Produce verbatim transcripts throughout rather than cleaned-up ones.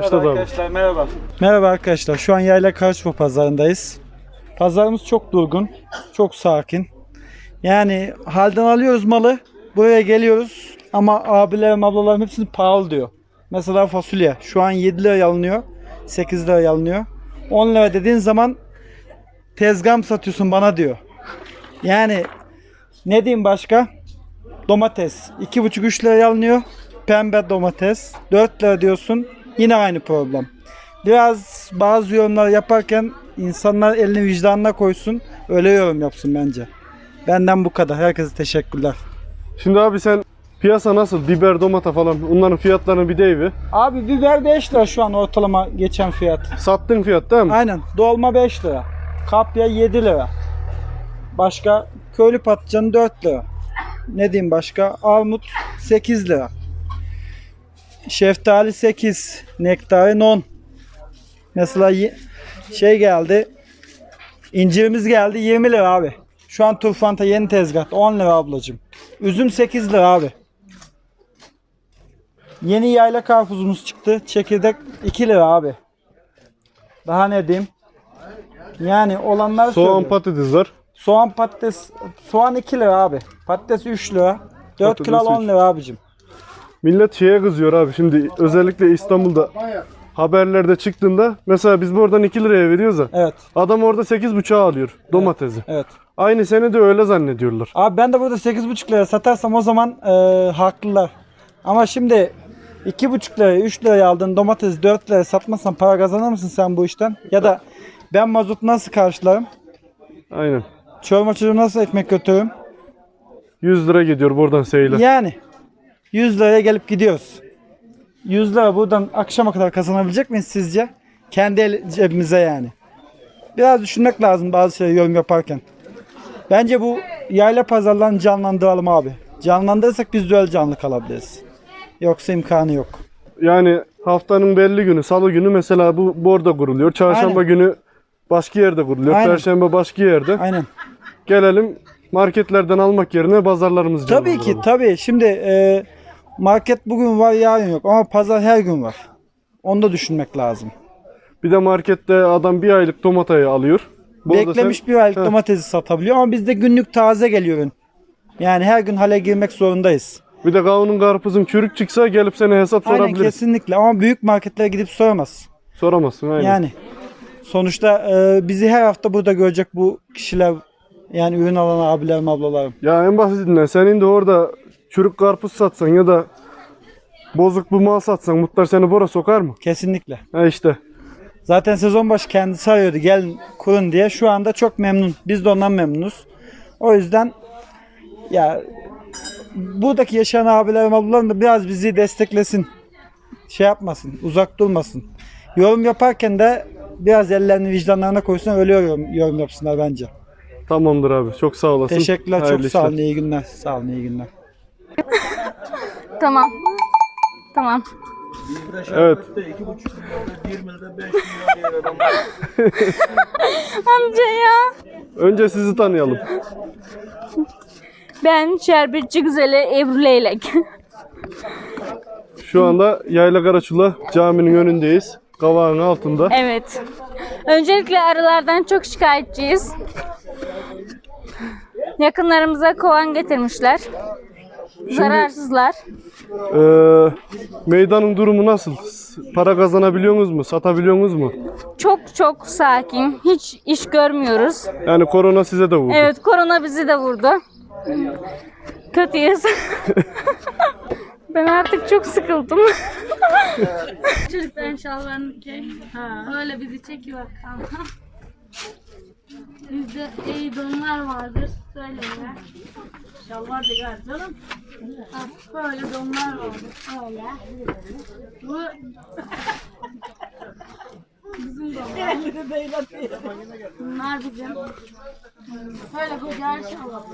Evet arkadaşlar merhaba. Merhaba arkadaşlar. Şu an Yayla Karşıpa pazarındayız. Pazarımız çok durgun, çok sakin. Yani halden alıyoruz malı, buraya geliyoruz ama abilerim, ablalarım hepsini pahalı diyor. Mesela fasulye şu an yedi liraya alınıyor, sekiz liraya alınıyor. on lira dediğin zaman tezgah mı satıyorsun bana diyor. Yani ne diyeyim başka? Domates iki buçuk üç liraya alınıyor. Pembe domates dört lira diyorsun. Yine aynı problem. Biraz bazı yorumlar yaparken insanlar elini vicdanına koysun. Öyle yorum yapsın bence. Benden bu kadar. Herkese teşekkürler. Şimdi abi sen piyasa nasıl? Biber, domata falan onların fiyatlarını bir deyiver. Abi biber beş lira şu an ortalama geçen fiyat. Sattığın fiyat değil mi? Aynen. Dolma beş lira. Kapya yedi lira. Başka köylü patlıcanı dört lira. Ne diyeyim başka? Armut sekiz lira. Şeftali sekiz. Nektarin on. Mesela şey geldi. İncirimiz geldi yirmi lira abi. Şu an turfanta yeni tezgahta on lira ablacığım. Üzüm sekiz lira abi. Yeni yayla karpuzumuz çıktı. Çekirdek iki lira abi. Daha ne diyeyim? Yani olanlar Soğan, söylüyorum. patates var. Soğan patates. Soğan iki lira abi. Patates üç lira. dört Patates kilo on üç. lira abicim. Millet şeye kızıyor abi. Şimdi özellikle İstanbul'da haberlerde çıktığında mesela biz buradan iki liraya veriyoruz ya. Evet. Adam orada sekiz buçuğa alıyor domatesi. Evet. Aynı sene de öyle zannediyorlar. Abi ben de burada sekiz buçuk liraya satarsam o zaman e, haklılar. Ama şimdi iki buçuk liraya üç liraya aldığın domatesi dört liraya satmazsan para kazanır mısın sen bu işten? Ya da ben mazot nasıl karşılarım? Aynen. Çorba çocuğum nasıl ekmek götürürüm? yüz lira gidiyor buradan seyle. Yani yüz liraya gelip gidiyoruz. yüz lira buradan akşama kadar kazanabilecek miyiz sizce? Kendi el, cebimize yani. Biraz düşünmek lazım bazı şeyleri yorum yaparken. Bence bu yayla pazarlarını canlandıralım abi. Canlandırırsak biz de öyle canlı kalabiliriz. Yoksa imkanı yok. Yani haftanın belli günü, salı günü mesela bu burada kuruluyor. Çarşamba Aynen. günü başka yerde kuruluyor. Aynen. Perşembe başka yerde. Aynen. Gelelim marketlerden almak yerine pazarlarımızı Tabii ki canlandıralım. tabii. Şimdi e, market bugün var yarın yok ama pazar her gün var. Onu da düşünmek lazım. Bir de markette adam bir aylık domatayı alıyor. Burada Beklemiş sen- bir aylık Heh. domatesi satabiliyor ama bizde günlük taze geliyor ürün. Yani her gün hale girmek zorundayız. Bir de kavunun karpuzun çürük çıksa gelip sana hesap Aynen sorabiliriz. kesinlikle ama büyük marketlere gidip soramaz. Soramazsın aynen. Yani sonuçta e, bizi her hafta burada görecek bu kişiler, yani ürün alan abilerim, ablalarım. Ya en basitinden senin de orada çürük karpuz satsan ya da bozuk bir mal satsan Muhtar seni bora sokar mı? Kesinlikle. Ha işte. Zaten sezon başı kendisi arıyordu gelin kurun diye. Şu anda çok memnun. Biz de ondan memnunuz. O yüzden ya buradaki yaşayan abilerim, ablalarım da biraz bizi desteklesin. Şey yapmasın, uzak durmasın. Yorum yaparken de biraz ellerini vicdanlarına koysun, öyle yorum, yorum yapsınlar bence. Tamamdır abi. Çok sağ olasın. Teşekkürler, Hayırlı çok sağ olun. işler. İyi günler. Sağ olun, iyi günler. Tamam. Tamam. Evet. Amca ya. Önce sizi tanıyalım. Ben şerbetçi güzeli Ebru Leylek. Şu anda Yayla Karaçula caminin önündeyiz. Kavağın altında. Evet. Öncelikle arılardan çok şikayetçiyiz. Yakınlarımıza kovan getirmişler. Zararsızlar. Ee, meydanın durumu nasıl? Para kazanabiliyorsunuz mu? Satabiliyorsunuz mu? Çok çok sakin. Hiç iş görmüyoruz. Yani korona size de vurdu. Evet, korona bizi de vurdu. Kötüyüz. Ben artık çok sıkıldım. Çocukların şalvarını çek. Öyle bizi çekiyor kanka. Bizde iyi donlar vardır. Söyle. Şalvar da gel canım. Ha, böyle donlar vardır. Öyle. Bu bizim donlar. Bunlar bizim. Böyle güzel şalvar.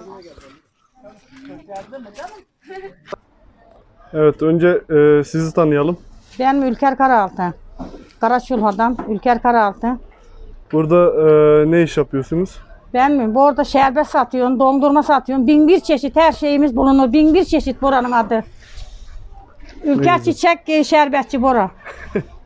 Evet, önce e, sizi tanıyalım. Ben Ülker Karaaltı. Karaçulha'dan Ülker Karaaltı. Burada e, ne iş yapıyorsunuz? Ben mi? Bu arada şerbet satıyorum, dondurma satıyorum. Bin bir çeşit her şeyimiz bulunur. Bin bir çeşit buranın adı. Ülker Çiçek e, Şerbetçi Bora.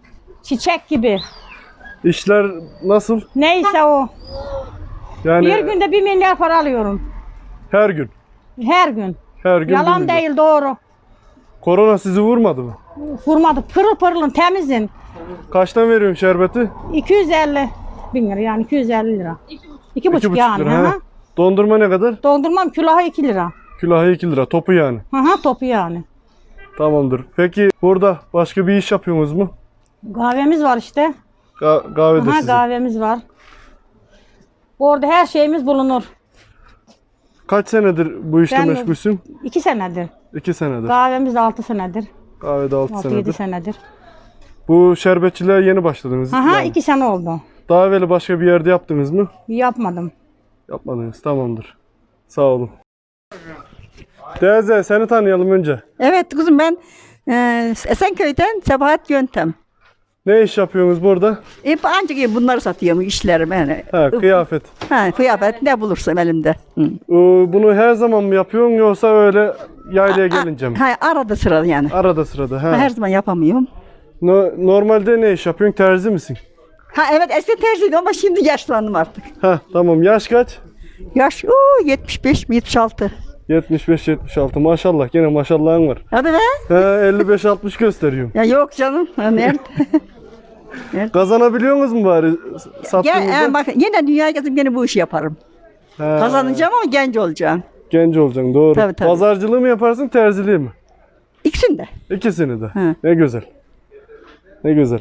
Çiçek gibi. İşler nasıl? Neyse o. Yani Bir günde bir milyar para alıyorum. her gün. Her gün. Her gün bir Yalan milyon. değil, doğru. Korona sizi vurmadı mı? Vurmadı. Pırıl pırılın, temizin. Kaçtan veriyorsun şerbeti? iki yüz elli bin lira, yani iki yüz elli lira. iki buçuk İki yani. lira. Hı ha. hı. Dondurma ne kadar? Dondurmam külahı iki lira. Külahı iki lira. Topu yani. Hı hı, topu yani. Tamamdır. Peki burada başka bir iş yapıyorsunuz mu? Kahvemiz var işte. Ga- kahvede Aha, sizin. kahvemiz var. Orada her şeyimiz bulunur. Kaç senedir bu işte Ben- meşgulsün? iki senedir. İki senedir. Kahvemiz de altı senedir. Kahvede altı altı yedi senedir. senedir. Bu şerbetçiliğe yeni başladınız. Aha, yani. iki sene oldu. Daha evvel başka bir yerde yaptınız mı? Yapmadım. Yapmadınız. Tamamdır. Sağ olun. Teyze seni tanıyalım önce. Evet kızım ben e, Esenköy'den Sebahat Yöntem. Ne iş yapıyorsunuz burada? E, ancak bunları satıyorum işlerim yani. Ha, kıyafet. Ha, kıyafet ne bulursam elimde. Hı. Ee, Bunu her zaman mı yapıyorsun yoksa öyle yaylaya gelince mi? Ha, arada sırada yani. Arada sırada. Ha. Her zaman yapamıyorum. No- normalde ne iş yapıyorsun? Terzi misin? Ha evet eski terziydim ama şimdi yaşlandım artık. Ha tamam. Yaş kaç? Yaş uu, yetmiş beş mi yetmiş altı. yetmiş beş yetmiş altı. Maşallah. Gene maşallahın var. Hadi be. Ha, elli beş altmış gösteriyorum. Ya yok canım. Ha, nerede? Kazanabiliyor musunuz mu bari sattığınızda? Gel, e, bak yine dünyaya gezip yine bu işi yaparım. Ha, Kazanacağım ama genç olacağım. genç olacaksın doğru. Tabii, tabii. Pazarcılığı mı yaparsın terziliği mi? İkisini de. İkisini de. Hı. Ne güzel. Ne güzel.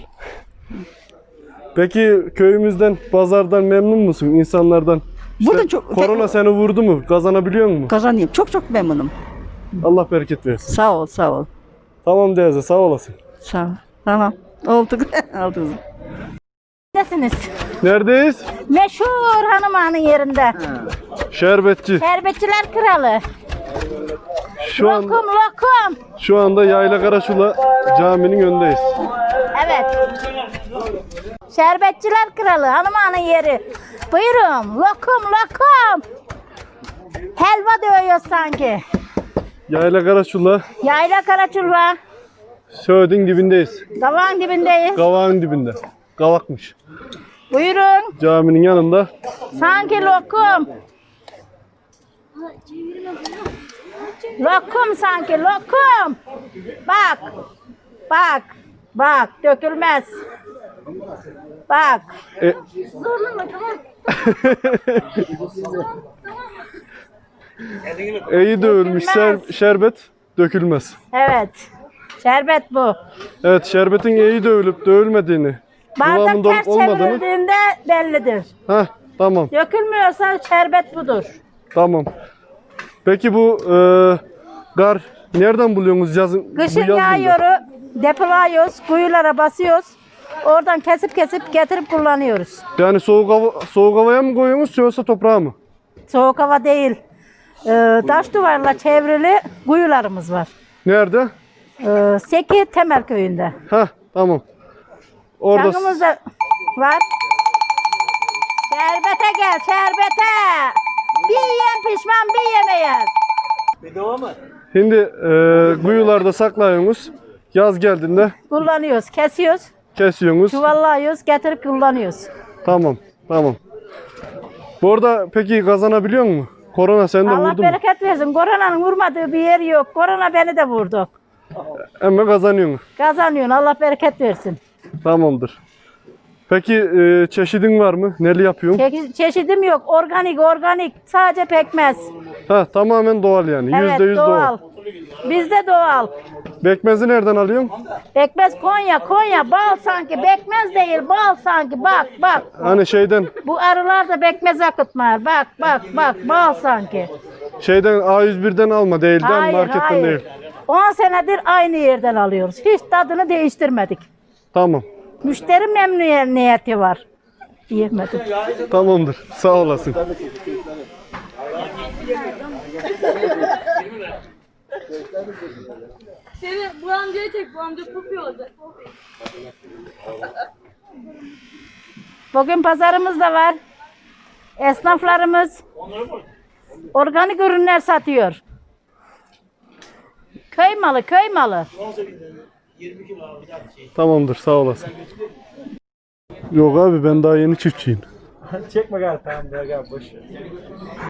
Peki köyümüzden, pazardan memnun musun? İnsanlardan? İşte Burada çok- korona seni vurdu mu? Kazanabiliyor musun? Kazanayım. Çok çok memnunum. Allah bereket versin. Sağ ol sağ ol. Tamam teyze sağ olasın. Sağ ol. Tamam. Oldu. Oldu kızım. Neredesiniz? Neredeyiz? Meşhur hanım ağanın yerinde. Şerbetçi. Şerbetçiler kralı. Şu an Lokum lokum. şu anda Yayla Karaçula caminin önündeyiz. Evet. Şerbetçiler kralı hanım ağanın yeri. Buyurun lokum lokum. Helva dövüyor sanki. Yayla Karaçula Yayla Karaçulva. Söğüt'ün dibindeyiz. Davağın dibindeyiz. Kavağın dibinde. Kavakmış. Buyurun. Caminin yanında. Sanki lokum. Lokum sanki lokum. Bak. Bak. Bak dökülmez. Bak. E, İyi dövülmüş ser- şerbet dökülmez. Evet. Şerbet bu. Evet şerbetin iyi dövülüp dövülmediğini, Bardak kıvamında olup ters olmadığını. çevrildiğinde bellidir. Heh, tamam Dökülmüyorsa şerbet budur. tamam. Peki bu e, gar nereden buluyorsunuz yazın? bu Kışın yaz günde? yağıyoru depoluyoruz, kuyulara basıyoruz. Oradan kesip kesip getirip kullanıyoruz. Yani soğuk hava, soğuk havaya mı koyuyorsunuz yoksa toprağa mı? Soğuk hava değil. Ee, taş duvarla çevrili kuyularımız var. Nerede? Ee, Seki Temel köyünde. Heh, tamam. Orada Çangımız da var. Şerbete gel, şerbete. Bir yiyen pişman, bir yemeyen. şimdi e, kuyularda saklıyorsunuz. Yaz geldiğinde Kullanıyoruz, kesiyoruz, kesiyorsunuz. çuvallıyoruz, getirip kullanıyoruz. Tamam, tamam. Bu arada peki kazanabiliyor mu? Korona seni de Allah vurdu mu? bereket versin. Koronanın vurmadığı bir yer yok. Korona beni de vurdu. Ama kazanıyorsun. Kazanıyorsun. Allah bereket versin. Tamamdır. Peki e, çeşidin var mı? Neli yapıyorsun? Çe- çeşidim yok. Organik, organik. Sadece pekmez. Ha, tamamen doğal yani. Evet, Yüzde yüz doğal. doğal. Bizde doğal. Pekmezi nereden alıyorsun? Pekmez Konya, Konya. Bal sanki. Pekmez değil, bal sanki. Bak, bak. Hani şeyden, Bu arılar da pekmez akıtmıyor. Bak, bak, bak. Bal sanki. şeyden A yüz birden alma değilden Hayır, marketten hayır. değil. on senedir aynı yerden alıyoruz. Hiç tadını değiştirmedik. Tamam. Müşteri memnuniyeti var. Diyemedim. Tamamdır. Sağ olasın. Seni bu amcaya çek, bu amca kopuyor olacak. Bugün pazarımız da var. Esnaflarımız organik ürünler satıyor. Köy malı, köy malı. Tamamdır, sağ olasın. Yok abi, ben daha yeni çiftçiyim. Çekme gari tamam gel boş ver.